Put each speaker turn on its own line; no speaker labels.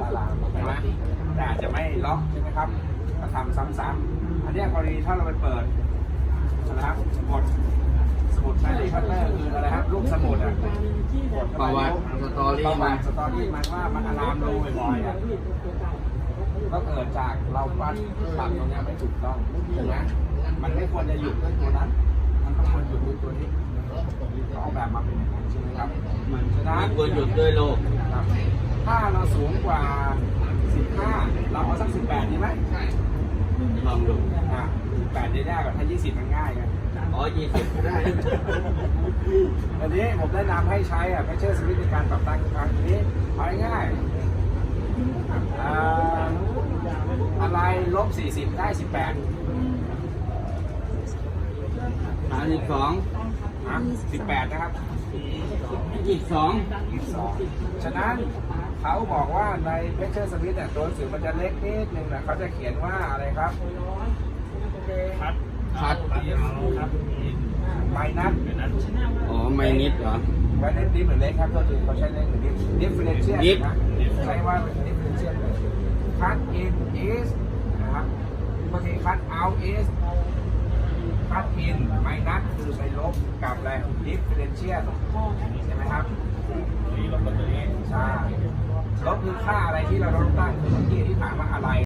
อะลามใช่ไหมแต่อาจจะไม่ล็อกใช่ไหมครับถ้าทำซ้ำๆอันนี้กรณีถ้าเราไปเปิดนะครับสมุดแฮร์รี่พอตเตอร์คืออะไรครับลูกสมุดอ่ะ
ประวัติสตอรี่
มันว่ามันอะลามรูบ่อยๆอ่ะก็เกิดจากเราปั้นปรับตรงนี้ไม่ถูกต้องถูกไหมมันไม่ควรจะหยุดด้วยตัวนั้นมันต้องควรหยุดด้วยตัวนี้ออกแบบมาเป็นอย่างนั้นใช่ไหมครับฉะนั้น
ควรหยุดด้วยโลก
ถ้าเราสูงกว่า15เราเอาสัก18ดีไหม
ลองดู
18ได้ยากกว่าถ้า20มันง่ายไง
อ๋อ20ได้
อันนี้ผมแนะนำให้ใช้เพชเชอร์สวิตช์ในการปรับตั้งครั้งนี้เอาง่ายอะไร-40ได้18 18นะครับ
22
ฉะนั้นเขาบอกว่าในเพชเชอร์สวิตช์เนี่ยตัวหนังสือมันจะเล็กนิดนึงนะเขาจะเขียนว่าอะไรครับ
คัด
ไมนัส
อ๋อไม่นิดเหรอ
ไมนัสดิฟหรือเล็กครับก็คือเขาใช้เล็กหรือดิฟเฟอเรนเชียลนะใช้ว่าดิฟเฟอเรนเชียลคัดอินisนะครับบางทีคัดเอาisคัดอินไมนัสคือไปลบกับอะไรดิฟเฟอเรนเชียลใช่ไหมครับลบกับตัวนี้ใช่ลบคือค่าอะไรที่เราต้องตั้งคือเมื่อกี้ที่ถามว่าอะไร